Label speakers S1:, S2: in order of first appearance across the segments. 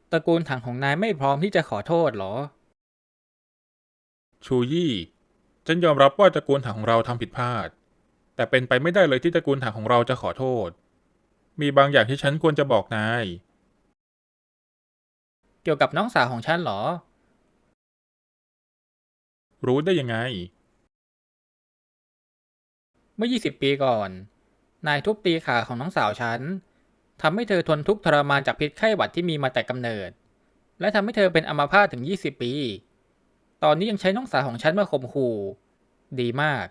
S1: ตระกูลถังของนายไม่พร้อมที่จะขอโทษหรอ
S2: ชูยี่ฉันยอมรับว่าตระกูลถังของเราทำผิดพลาดแต่เป็นไปไม่ได้เลยที่ตระกูลถังของเราจะขอโทษมีบางอย่างที่ฉันควรจะบอกนาย
S1: เกี่ยวกับน้องสาวของฉันหรอ
S2: รู้ได้ยังไง
S1: เมื่อ20 ปีก่อนนายทุบตีขาของน้องสาวฉันทำให้เธอทนทุกข์ทรมานจากพิษไข้หวัดที่มีมาแต่กำเนิดและทำให้เธอเป็นอัมพาตถึง20 ปีตอนนี้ยังใช้น้องสาวของฉันมาข่มขู่ดีมาก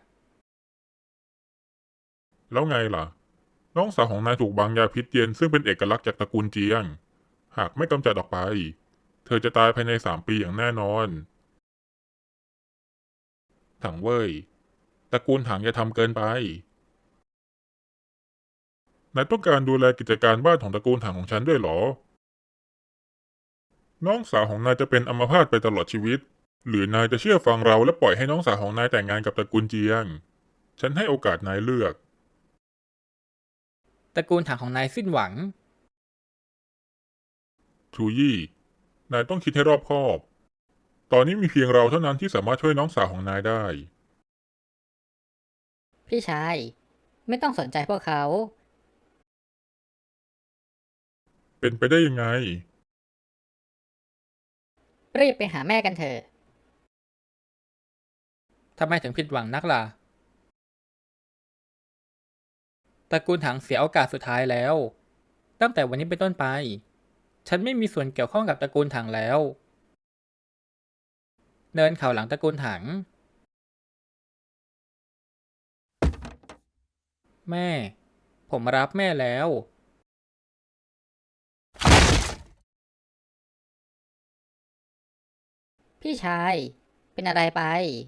S3: แล้วไงล่ะน้องสาวของนายถูกวางยาพิษเย็นซึ่งเป็นเอกลักษณ์จากตระกูลเจียงหากไม่กำจัดออกไปเธอจะตายภายใน3 ปีอย่างแน่นอนถังเว่ยตระกูลถังอย่าทำเกินไปนายต้องการดูแลกิจการบ้านของตระกูลถังของฉันด้วยเหรอน้องสาวของนายจะเป็นอัมพาตไปตลอดชีวิตหรือนายจะเชื่อฟังเราและปล่อยให้น้องสาวของนายแต่งงานกับตระกูลเจียงฉันให้โอกาสนายเลือก
S1: ตระกูลถังของนายสิ้นหวัง
S3: ชูยี่นายต้องคิดให้รอบคอบ ตอนนี้มีเพียงเราเท่านั้นที่สามารถช่วยน้องสาวของนายได้
S4: พี่ชายไม่ต้องสนใจพวกเขา
S3: เป็นไปได้ยังไง
S4: รีบไปหาแม่กันเถอะ
S1: ทำไมถึงผิดหวังนักล่ะตระกูลถังเสียโอกาสสุดท้ายแล้วตั้งแต่วันนี้เป็นต้นไปฉันไม่มีส่วนเกี่ยวข้องกับตระกูลถังแล้วเดินเข่าหลังตระกูลถังแม่ผมรับแม่แล้ว
S4: พี่ชายเป็นอะไรไป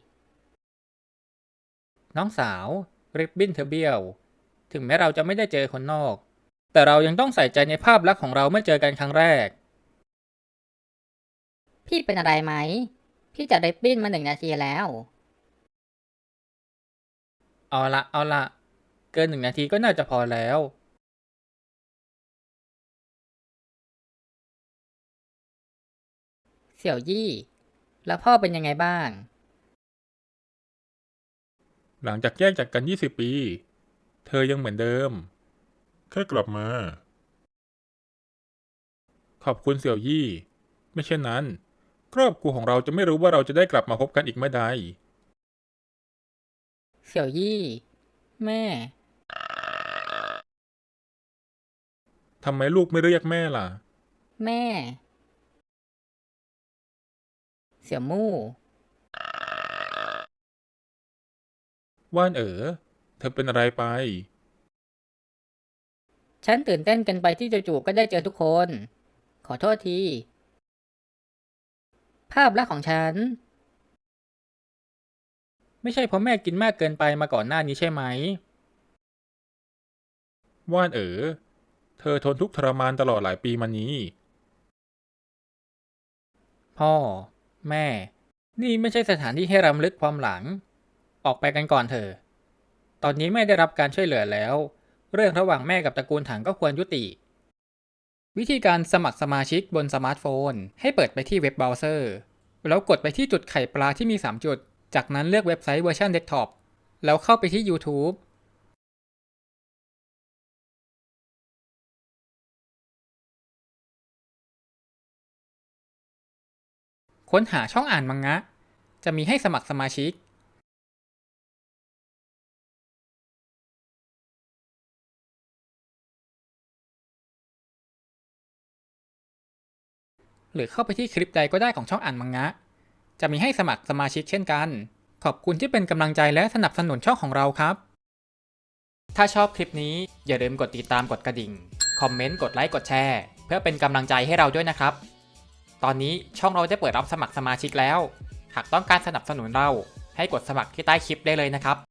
S1: น้องสาวริบบิ้นเธอเบี้ยวถึงแม้เราจะไม่ได้เจอคนนอกแต่เรายังต้องใส่ใจในภาพลักษณ์ของเราเมื่อเจอกันครั้งแรก
S4: พี่เป็นอะไรไหมพี่จะริบบิ้นมา1 นาทีแล้ว
S1: เอาละเกิน1 นาทีก็น่าจะพอแล้ว
S4: เสี่ยวยี่แล้วพ่อเป็นยังไงบ้าง
S2: หลังจากแยกจากกัน20 ปีเธอยังเหมือนเดิม
S3: แค่กลับมา
S2: ขอบคุณเสี่ยวยี่ไม่เช่นนั้นครอบครัวของเราจะไม่รู้ว่าเราจะได้กลับมาพบกันอีกเมื่อใด
S4: เสี่ยวยี่แม่
S2: ทำไมลูกไม่เรียกแม่ล่ะ
S4: แม่เสี่ยวมู่
S2: ว่านเธอเป็นอะไรไป
S4: ฉันตื่นเต้นเกินไปที่จู่ๆก็ได้เจอทุกคนขอโทษทีภาพลักษณ์ของฉัน
S1: ไม่ใช่เพราะแม่กินมากเกินไปมาก่อนหน้านี้ใช่ไหม
S2: ว่านเธอทนทุกข์ทรมานตลอดหลายปีมานี้
S1: พ่อแม่นี่ไม่ใช่สถานที่ให้รำลึกความหลังออกไปกันก่อนเถอะตอนนี้แม่ได้รับการช่วยเหลือแล้วเรื่องระหว่างแม่กับตระกูลถังก็ควรยุติวิธีการสมัครสมาชิกบนสมาร์ทโฟนให้เปิดไปที่เว็บเบราว์เซอร์แล้วกดไปที่จุดไข่ปลาที่มี3 จุดจากนั้นเลือกเว็บไซต์เวอร์ชันเดสก์ท็อปแล้วเข้าไปที่ YouTube ค้นหาช่องอ่านมังงะจะมีให้สมัครสมาชิกหรือเข้าไปที่คลิปใดก็ได้ของช่องอ่านมังงะจะมีให้สมัครสมาชิกเช่นกันขอบคุณที่เป็นกำลังใจและสนับสนุนช่องของเราครับถ้าชอบคลิปนี้อย่าลืมกดติดตามกดกระดิ่งคอมเมนต์กดไลค์กดแชร์เพื่อเป็นกำลังใจให้เราด้วยนะครับตอนนี้ช่องเราได้เปิดรับสมัครสมาชิกแล้วหากต้องการสนับสนุนเราให้กดสมัครที่ใต้คลิปได้เลยนะครับ